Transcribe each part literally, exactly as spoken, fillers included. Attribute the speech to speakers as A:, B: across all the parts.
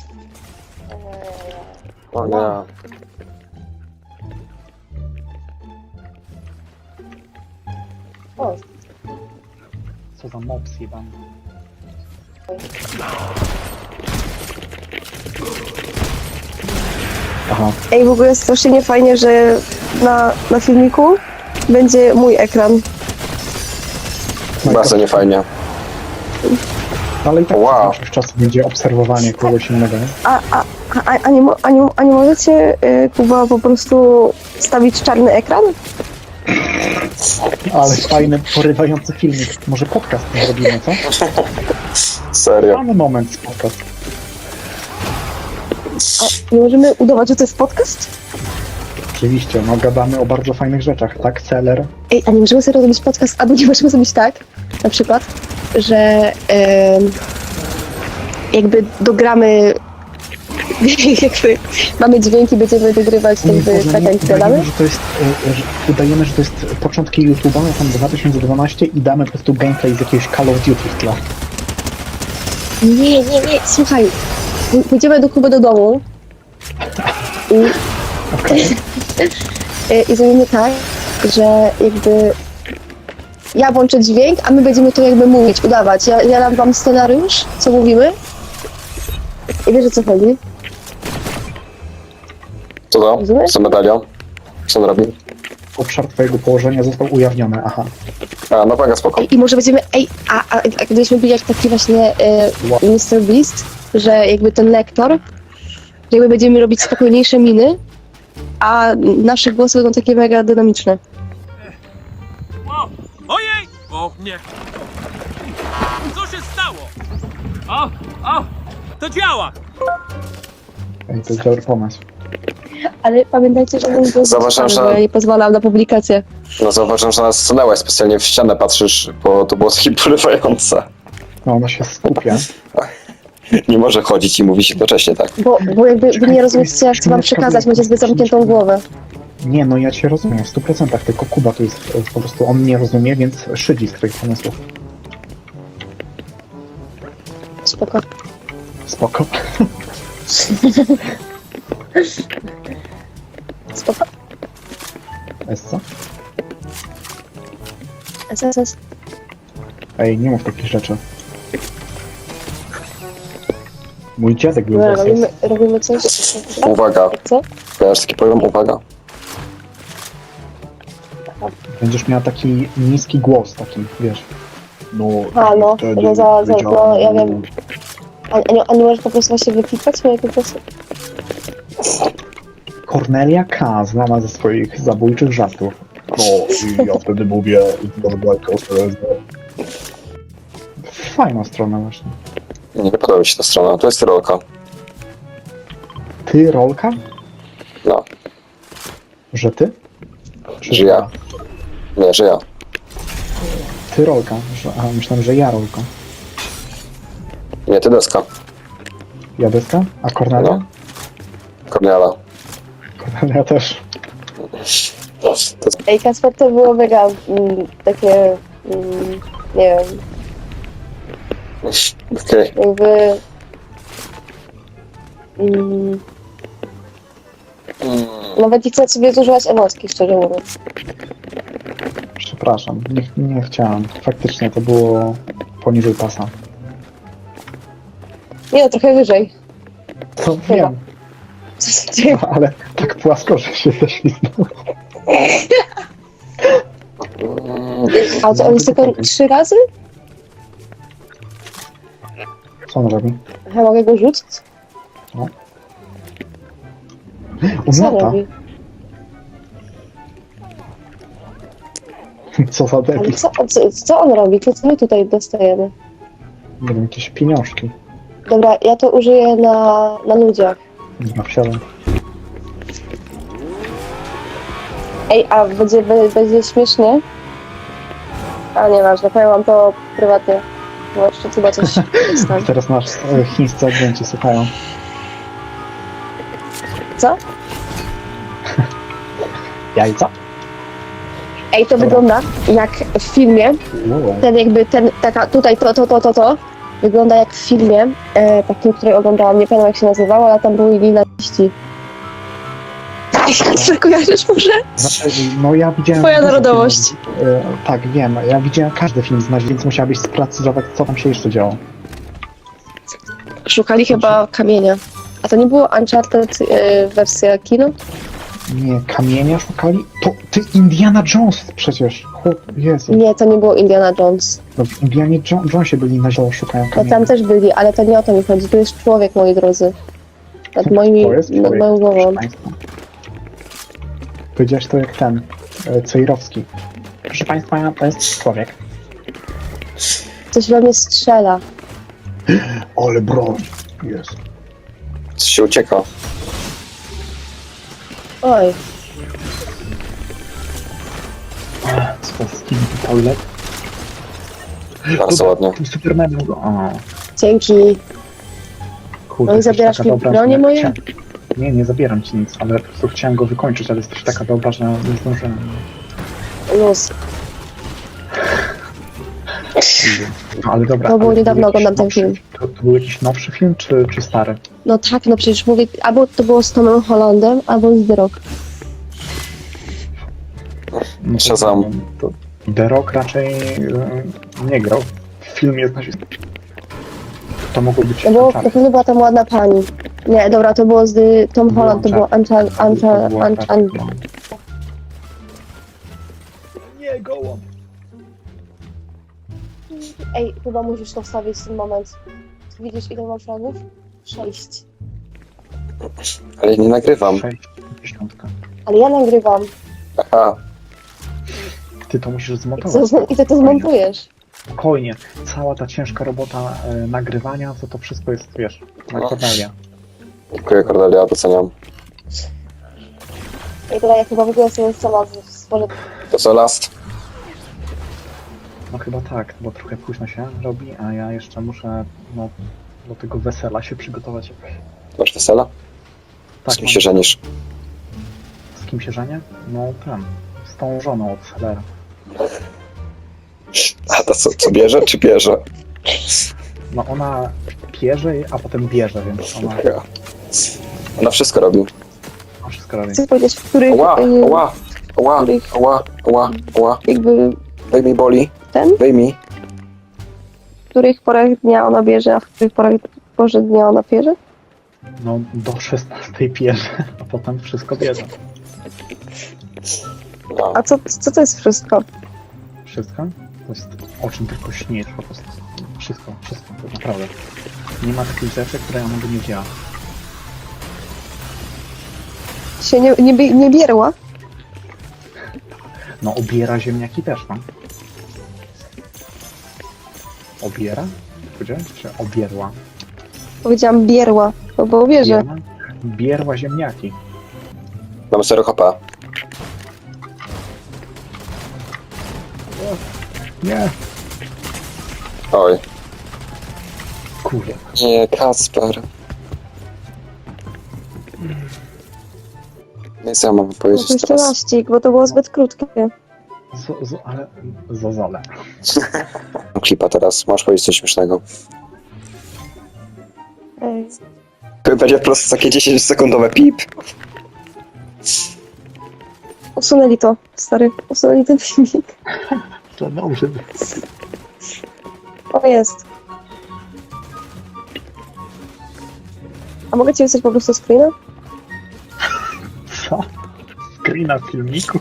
A: O nie.
B: O,
C: Co za mops jebany. Aha,
B: ej, w ogóle strasznie nie fajnie, że na, na filmiku będzie mój ekran.
A: Bardzo niefajnie.
C: ale i tak
A: Wow.
C: wow. Większość czasu będzie obserwowanie kogoś innego. nie?
B: A, a, a, a, nie, mo- a, nie, a nie możecie, y, Kuba, po prostu stawić czarny ekran?
C: Ale fajny, porywający filmik. Może podcast zrobimy, co?
A: Serio.
C: Mamy moment z podcast.
B: A nie możemy udawać, że to jest podcast?
C: Oczywiście, no gadamy o bardzo fajnych rzeczach, tak? Seller.
B: Ej, a nie możemy sobie zrobić podcast, albo nie możemy zrobić tak, na przykład, że em, jakby dogramy, jakby mamy dźwięki, będziemy wygrywać jakby
C: Boże,
B: tak
C: nie,
B: jak
C: udajemy,
B: gadamy.
C: że to jest, e, że udajemy, że to jest początki YouTube'a, no tam dwa tysiące dwanaście i damy po prostu gameplay z jakiegoś Call of Duty w tle.
B: Nie, nie, nie, słuchaj, pój- pójdziemy do Kuby do domu i, i, i zrobimy tak, że jakby ja włączę dźwięk, a my będziemy to jakby mówić, udawać. Ja, ja dam wam scenariusz, co mówimy i wiesz, o co chodzi.
A: Co to?
B: Rozumiesz?
A: Co medalion? Co on robi?
C: Obszar twojego położenia został ujawniony, aha.
A: A, no mega spoko.
B: I może będziemy, ej, a, a, a gdybyśmy byli jak taki właśnie e, mister Beast, że jakby ten lektor, że jakby będziemy robić spokojniejsze miny, a nasze głosy będą takie mega dynamiczne.
D: O! Ojej! O nie! Co się stało? O! O! To działa!
C: Ej, to jest dobry pomysł.
B: Ale pamiętajcie, że mój głos
A: Zauważyłem,
B: jest
A: że-
B: bo ja nie pozwalam na publikację.
A: No zauważyłem, że nas stanęłaś specjalnie w ścianę patrzysz, bo to było takie porywające.
C: No, ona się skupia.
A: Nie może chodzić i mówić jednocześnie, tak?
B: Bo, bo jakby wy
C: Czekaj,
B: nie
C: to
B: rozumiecie,
C: jest
B: co ja chcę wam
C: chwileczka,
B: przekazać,
C: bo-
B: macie zbyt zamkniętą głowę.
C: Nie, no ja cię rozumiem w stu procentach, tylko Kuba tu jest e, po prostu, on nie rozumie, więc szydzi z twoich pomysłów.
B: Spoko.
C: Spoko.
B: Spoko.
C: Jest co?
B: S S S.
C: Ej, nie mów takich rzeczy. Mój dziadek był
B: Dobra,
C: bez
B: robimy, robimy coś.
A: Uwaga.
B: Co?
A: Kojarzysz taki program? Uwaga.
C: Będziesz miała taki niski głos, taki, wiesz. No,
B: A, no,
C: wtedy
B: no, za- za-
C: wiedziałem,
B: no, ja wiem. A, a, nie, a nie możesz po prostu właśnie wypikać mojego głosu?
C: Kornelia K. znana ze swoich zabójczych żartów. No, i ja wtedy mówię, fajna strona właśnie.
A: Nie podoba mi się ta strona. To jest rolka.
C: Ty, rolka?
A: No.
C: Że ty? Czy
A: Że ja. Nie, że ja.
C: Ty rolka. Że, a, myślałem, że ja rolka.
A: Nie, ty deska.
C: Ja deska? A Kornelia?
A: No. Korniala.
C: Kornelia też.
A: To jest...
B: Ej, Kasper, to było mega mm, takie, mm, nie wiem,
A: Okej.
B: jakby... Mm, nawet nie chcę sobie zużywać emocji, szczerze mówiąc.
C: Przepraszam, nie, nie chciałem. Faktycznie to było poniżej pasa.
B: Nie no, trochę wyżej.
C: To wiem,
B: Co się dzieje?
C: no, ale tak płasko, że się ześliznął.
B: A co, on jest tylko trzy razy?
C: Co on robi?
B: Ja mogę go rzucić?
C: On
B: Co
C: lata.
B: robi?
C: Co za
B: Ale
C: debil.
B: co, co, co on robi? To co my tutaj dostajemy?
C: Nie wiem, jakieś pieniążki.
B: Dobra, ja to użyję na, na ludziach.
C: Na wsiadam.
B: Ej, a będzie, be- będzie śmiesznie? A nieważne, powiem wam to prywatnie. Bo jeszcze chyba coś jest tam.
C: Teraz nasz e, chińscy agenci słuchają.
B: Co?
C: Jajca?
B: Ej, to
C: Dobra.
B: wygląda jak w filmie,
C: Wow.
B: ten jakby ten, taka tutaj to, to, to, to, to, wygląda jak w filmie, e, takim, który oglądałam, nie pamiętam jak się nazywało, ale tam były linaści. Jak kojarzysz może?
C: Znaczy, no ja widziałem...
B: Twoja
C: dużo
B: narodowość.
C: filmów, e, tak, wiem. Ja widziałem każdy film z Nazi, więc musiałabyś sprecyzować, co tam się jeszcze działo.
B: Szukali chyba kamienia. A to nie było Uncharted e, wersja kino?
C: Nie, kamienia szukali? To ty Indiana Jones przecież. Chłop, Jezu.
B: Nie, to nie było Indiana Jones.
C: No w Indianie jo Jonesie byli na zielono, szukają
B: No
C: kamienia.
B: tam też byli, ale to nie o to mi chodzi. Tu jest człowiek, moi drodzy. Nad moimi,
C: To jest
B: nad
C: człowiek,
B: moją głową.
C: proszę państwa. Powiedziałeś to jak ten, e, Cejrowski. Proszę państwa, to jest człowiek.
B: Coś we mnie strzela.
C: Ale broń. Jest.
A: Coś się ucieka.
B: Oj,
C: Swowski toilet.
A: Bardzo ładnie.
C: Tym Supermanem go. O,
B: dzięki.
C: kurde,
B: No i
C: jesteś
B: zabierasz
C: taka
B: mi
C: dobra,
B: bronię
C: że
B: moje?
C: chciałem- Nie, nie zabieram ci nic, ale po prostu chciałem go wykończyć, ale jesteś taka dobra, że nie zdążyłem.
B: Luz.
C: No, ale dobra.
B: To było
C: ale
B: niedawno,
C: był jakiś
B: oglądam ten
C: nowszy-
B: film.
C: To, to był jakiś nowszy film, czy, czy stary?
B: No tak, no przecież mówię, albo to było z Tomem Hollandem, albo z The Rock.
C: No to-
A: Shazam.
C: to The Rock raczej e, nie grał. Film jest na To mogło być
B: No bo
C: Uncharted.
B: na pewno była tam ładna pani. Nie, dobra, to było z y, Tom
C: Było
B: Holland, to było
C: Uncharted.
B: Ancha, Ancha,
C: To było
B: Ancha,
C: Uncharted.
B: Ancha.
C: Nie, gołąb.
B: Ej, chyba musisz to wstawić w ten moment. Widzisz ile mam fragów? Sześć.
A: Ale nie nagrywam.
C: Dziesiątka.
B: Ale ja nagrywam.
A: Aha.
C: Ty to musisz
B: I
C: zmontować.
B: to, i ty to zmontujesz.
C: Spokojnie. Cała ta ciężka robota e, nagrywania, to to wszystko jest, wiesz, na
A: No.
C: Cornelia.
A: Dziękuję, Cordelia, doceniam.
B: I teraz ja chyba w ogóle sobie sama stworzę.
A: To co, last?
C: No chyba tak, bo trochę późno się robi, a ja jeszcze muszę no, do tego wesela się przygotować.
A: Masz wesela?
C: Tak,
A: Z kim
C: mam-
A: się żenisz?
C: Z kim się żenię? No ten, z tą żoną od Sellera.
A: A to co, co bierze, czy bierze?
C: No ona pierze, a potem bierze, więc ona
A: Ja. Ona wszystko robi.
C: ona wszystko robi.
B: Chcę powiedzieć, w których
A: Ła,
B: y,
A: ła, ła,
B: których-
A: ła, ła, ła.
B: jakby
A: Wyjmij boli,
B: ten,
A: wyjmij.
B: w których porach dnia ona bierze, a w których porach porze dnia ona bierze?
C: No do szesnastej pierze, a potem wszystko bierze.
A: No.
B: A co, co to jest wszystko?
C: Wszystko? To jest o czym tylko śnisz po prostu. Wszystko, wszystko, to naprawdę. Nie ma takich rzeczy, które ona by nie wzięła.
B: Się nie, nie, bie- nie bierła?
C: No obiera ziemniaki też, no. Obiera? Powiedziałeś? Czy obierła?
B: Powiedziałam bierła, no bo bierze.
C: Bierła? Bierła ziemniaki.
A: Mam zero H P.
C: Nie.
A: Oj.
C: Kurde.
A: Nie, Kacper. Nie co ja mam
B: No
A: powiedzieć
B: to jeszcze
A: teraz?
B: laścik, bo to było zbyt krótkie.
C: Z, z, ale zozole.
A: Mam klipa teraz, możesz powiedzieć coś śmiesznego.
B: Ej.
A: Będzie po prostu takie dziesięciosekundowe pip.
B: Usunęli to, stary. Usunęli ten filmik.
C: To dobrze.
B: O, jest. A mogę ci wysłać po prostu screena?
C: Co? Screena filmiku?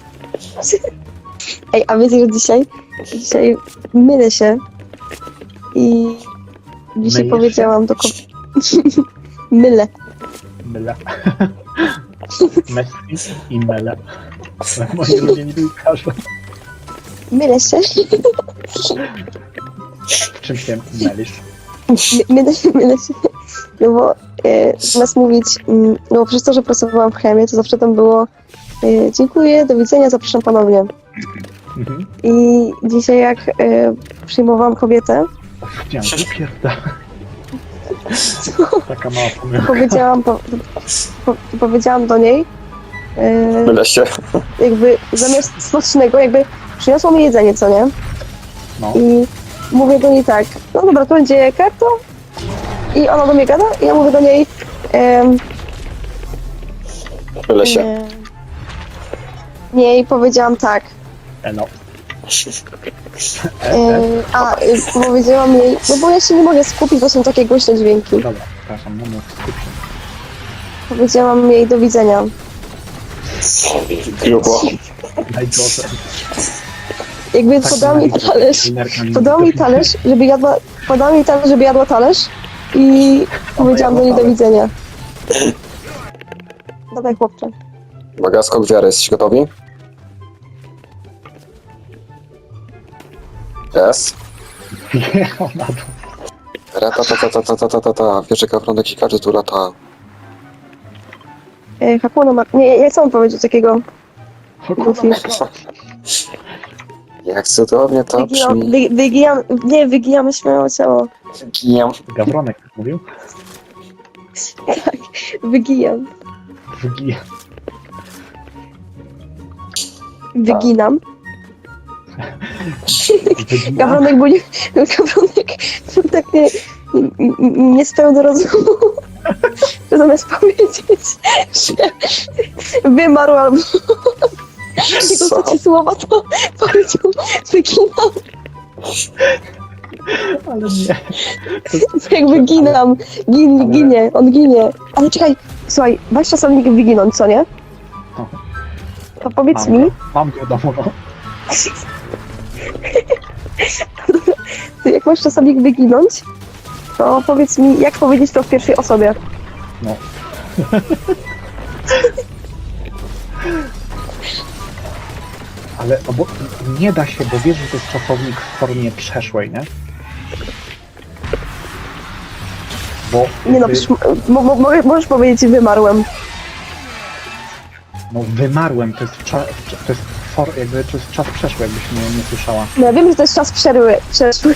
B: Ej, a wiecie, że dzisiaj, dzisiaj mylę się i dzisiaj
C: Mylisz
B: powiedziałam do kobiety. Mylę.
C: Myle. Messi i Mele. Ale moi ulubieni piłkarze.
B: Mylę się.
C: W czym się mylisz?
B: My- Mylę się, mylę się. No bo e, zamiast mówić, mm, no bo przez to, że pracowałam w chemii, to zawsze tam było e, dziękuję, do widzenia, zapraszam ponownie.
C: Mhm.
B: I dzisiaj jak e, przyjmowałam kobietę,
C: Chciałem pierda. Taka mała pomyłka.
B: powiedziałam, po, po, powiedziałam do niej, e,
A: Mylę się.
B: jakby zamiast smacznego, jakby przyniosło mi jedzenie, co nie?
C: No.
B: I mówię do niej tak, no dobra, to będzie kartą. I ona do mnie gada i ja mówię do niej, em,
A: W lesie.
B: nie, nie, i powiedziałam tak.
C: E, no.
B: E, a, y, powiedziałam jej, no bo ja się nie mogę skupić, bo są takie głośne dźwięki.
C: Dobra, przepraszam, no mów, skup się.
B: Powiedziałam jej do widzenia.
A: Grubo.
C: Najgorzej.
B: Jakby
C: Tak,
B: podała mi
C: tak,
B: talerz,
C: linerka
B: podała mi
C: nie-
B: talerz, żeby jadła, podała mi talerz, żeby jadła talerz i powiedziałam do niej do
C: talerz.
B: widzenia. Dawaj chłopcze.
A: Uwaga, skok wiary. Jesteście gotowi? Jest.
C: Nie, ona to...
A: Rata, ta, ta, ta, ta, ta, ta, ta, ta. Wiesz, jaka prądek i każdy tu lata.
B: E, Hakuna ma... Nie, ja chcę powiedzieć takiego. Goofy.
A: Jak cudownie to
B: Wygijam,
A: brzmi.
B: wy, wygijam, nie, wygijamy śmiało ciało.
A: Gijam.
C: Gawronek mówił?
B: Tak, wygijam.
C: Wygi...
B: Wyginam.
C: Wygina?
B: Gawronek był nie... Gawronek był tak nie... nie- nie spełnił do rozumu. Że zamiast powiedzieć, że wymarł albo... Jego
A: Co?
B: ostatnie słowa to powiedział wyginam.
C: Ale nie.
B: Jak wyginam. Gin, ginie, on ginie. Ale czekaj, słuchaj, weź czasownik wyginąć, co nie?
C: No.
B: To powiedz
C: Mam
B: mi,
C: go, mam go domu, no.
B: ty jak masz czasownik wyginąć, to powiedz mi, jak powiedzieć to w pierwszej osobie.
C: No. Ale no bo nie da się, bo wiesz, że to jest czasownik w formie przeszłej, nie? Bo
B: Nie no,
C: wy-
B: przecież, mo, mo, mo- możesz powiedzieć wymarłem.
C: no wymarłem, to jest, cza, to jest for, jakby to jest czas przeszły, jakbyś nie, nie słyszała.
B: No ja wiem, że to jest czas przerwy, przeszły,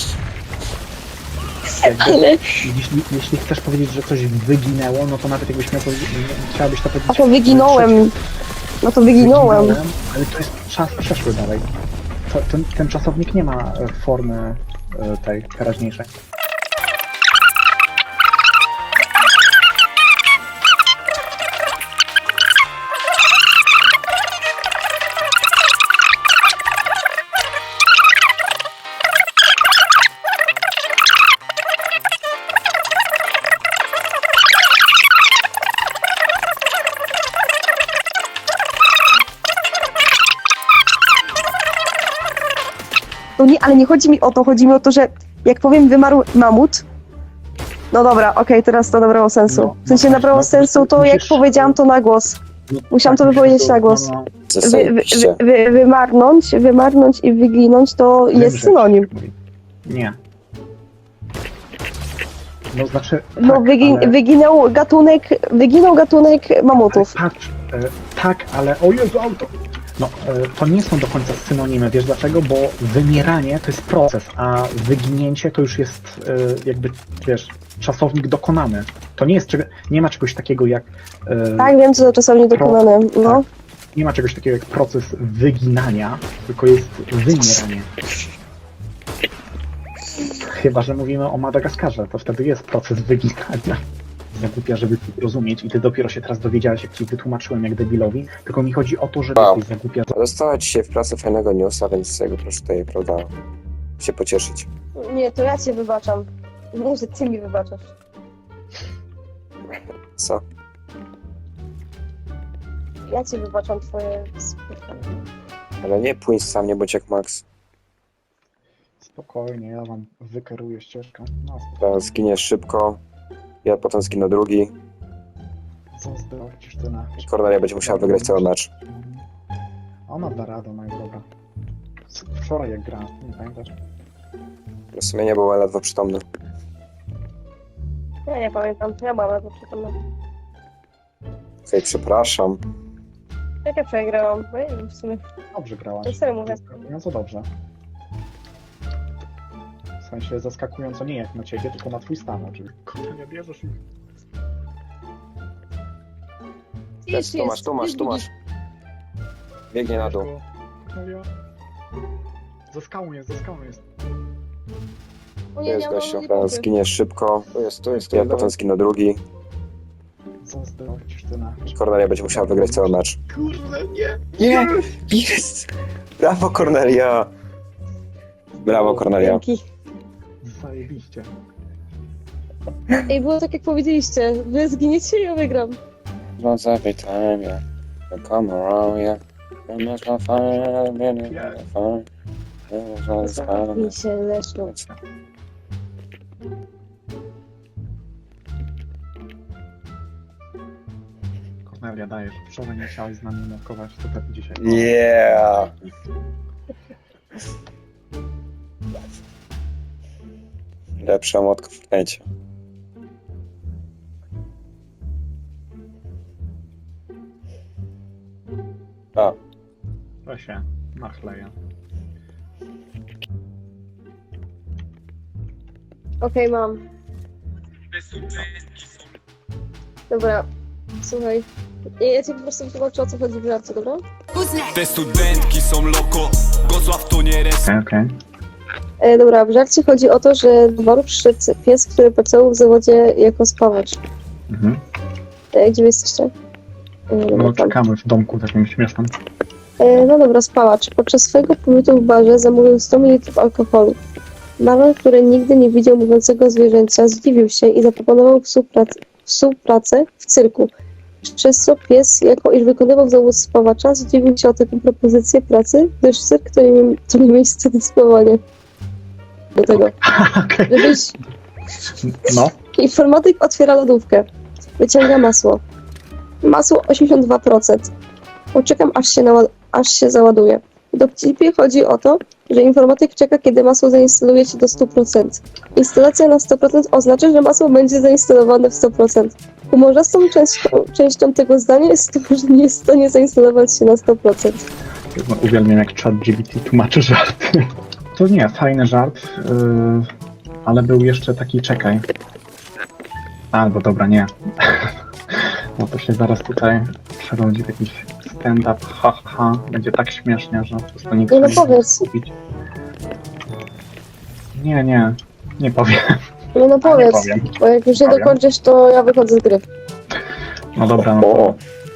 C: Jakby,
B: ale...
C: jeśli, jeśli chcesz powiedzieć, że coś wyginęło, no to nawet jakbyś miał powiedzieć, nie- chciałabyś to powiedzieć...
B: A to wyginąłem. No to wyginąłem.
C: Wyginąłem, ale to jest czas przeszły dalej. To, ten, ten czasownik nie ma e, formy e, tej teraźniejszej.
B: No nie, ale nie chodzi mi o to, chodzi mi o to, że jak powiem wymarł mamut, no dobra, okej, teraz to nabrało sensu.
C: No,
B: W sensie
C: no tak,
B: nabrało
C: no,
B: sensu to, jak
C: musisz-
B: powiedziałam to na głos.
C: No,
B: Musiałam to
C: musisz
B: wypowiedzieć na głos.
C: no,
B: Wy, wy,
A: Zajebiście.
B: wy, wy, wymarnąć, wymarnąć i wyginąć to jest
C: wymrzeć,
B: synonim.
C: mówi. Nie. No znaczy.
B: No
C: tak,
B: wygi,
C: ale,
B: wyginął gatunek, wyginął gatunek mamutów.
C: patrz, e, tak, ale o Jezu, auto. No, e, to nie są do końca synonimy, wiesz dlaczego? Bo wymieranie to jest proces, a wyginięcie to już jest e, jakby, wiesz, czasownik dokonany. To nie jest, czego- nie ma czegoś takiego jak... e,
B: Tak, wiem, co to czasami dokonane. No.
C: Nie ma czegoś takiego jak proces wyginania, tylko jest wymieranie. Chyba że mówimy o Madagaskarze, to wtedy jest proces wyginania. Zagłupia, żeby rozumieć i ty dopiero się teraz dowiedziałeś, jak ci wytłumaczyłem jak debilowi, tylko mi chodzi o to, że
A: Wow.
C: ty zagłupia.
A: Dostała dzisiaj w pracy fajnego newsa, więc jakby proszę tutaj, prawda, się pocieszyć.
B: Nie, to ja cię wybaczam. Nie, że ty mi wybaczasz.
A: Co?
B: Ja ci wybaczam twoje spotkanie.
A: Ale nie pójdź sam, nie bądź jak Max.
C: Spokojnie, ja wam wykeruję ścieżkę. No,
A: Teraz zginiesz szybko, ja potem zginę drugi.
C: zazdrościsz ty na...
A: I Cornelia będzie musiała wygrać cały mecz.
C: Ona da radę, no i dobra. Wczoraj jak grałem, nie pamiętasz?
A: W sumie nie był ledwo przytomny.
B: Ja nie pamiętam, ja mam na to przytomne.
A: Okej, przepraszam.
B: Jak ja przegrałam? No nie wiem, w sumie.
C: Dobrze grałaś.
B: Ja serio mówię.
C: Zaskakująco dobrze. W sensie zaskakująco nie jak na ciebie, tylko na twój stan, oczywiście. Kurde, nie bierzesz ich.
A: Lecz, tu masz, tu masz, tu masz. Biegnie na dół.
C: No ja... Za skałą jest, za skałą jest.
B: O
A: Tu
B: nie,
A: jest
B: nie,
A: gościu,
B: nie
A: teraz
B: mogę.
A: zginiesz szybko. Tu jest, tu jest, ja potem zginę drugi.
C: Zazdrościsz ty na...
A: Kornelia będzie musiała wygrać cały mecz.
C: Kurde, nie!
A: Nie! Jest! Brawo, Kornelia! Brawo, Kornelia.
B: Dzięki.
C: Zajebiście.
B: Ej, było tak jak powiedzieliście. Wy zginiecie i ja wygram.
A: Once every time, yeah. You come around, yeah. You make my fire, man, you make my fire. You make my fire.
B: Mi się leszną.
C: Kornelia, dajesz. Wczoraj nie chciałeś z nami nurkować, to tak dzisiaj.
A: Yeah! Lepsza motka w Fortnite. A,
C: To się nachleja.
B: Okej, mam. Dobra, słuchaj. Ja, ja ci po prostu wytłumaczę, o co chodzi w żarcie, dobra?
E: Te studentki są loko, Gosław to nie res.
C: Okej, okej.
B: E, dobra, w żarcie chodzi o to, że do baru przyszedł pies, który pracował w zawodzie jako spawacz.
C: Mhm.
B: E, gdzie wy jesteście? E,
C: No
B: dobra, tam.
C: czekamy w domku takim śmiesznym.
B: E, no dobra, spawacz. Podczas swojego pobytu w barze zamówił sto mililitrów alkoholu. Baron, który nigdy nie widział mówiącego zwierzęcia, zdziwił się i zaproponował współprac- współpracę w cyrku. Przez co pies, jako iż wykonywał zawód spawacza, zdziwił się o taką propozycję pracy, gdyż cyrk to nie, to nie miejsce dysponowania. Do tego.
C: Okej.
B: Żebyś...
C: No.
B: Informatyk otwiera lodówkę. Wyciąga masło. Masło osiemdziesiąt dwa procent. Poczekam, aż się, nała- aż się załaduje. W dowcipie chodzi o to, że informatyk czeka, kiedy masło zainstaluje się do stu procent. Instalacja na sto procent oznacza, że masło będzie zainstalowane w sto procent. Humorzastą częścią, częścią tego zdania jest to, że nie jest w stanie zainstalować się na sto procent.
C: No, uwielbiam jak ChatGPT tłumaczy żarty. To nie, fajny żart, yy, ale był jeszcze taki, czekaj. Albo dobra, nie. No to się zaraz tutaj przerodzi w jakiś stand-up, ha, ha, ha. Będzie tak śmiesznie, że po prostu nikt
B: Nie, no
C: nie może
B: powiedz.
C: skupić. Nie, nie, nie powiem.
B: No no
C: A, nie
B: powiedz,
C: powiem.
B: bo jak już nie
C: Powiem.
B: dokończysz, to ja wychodzę z gry.
C: No dobra, no to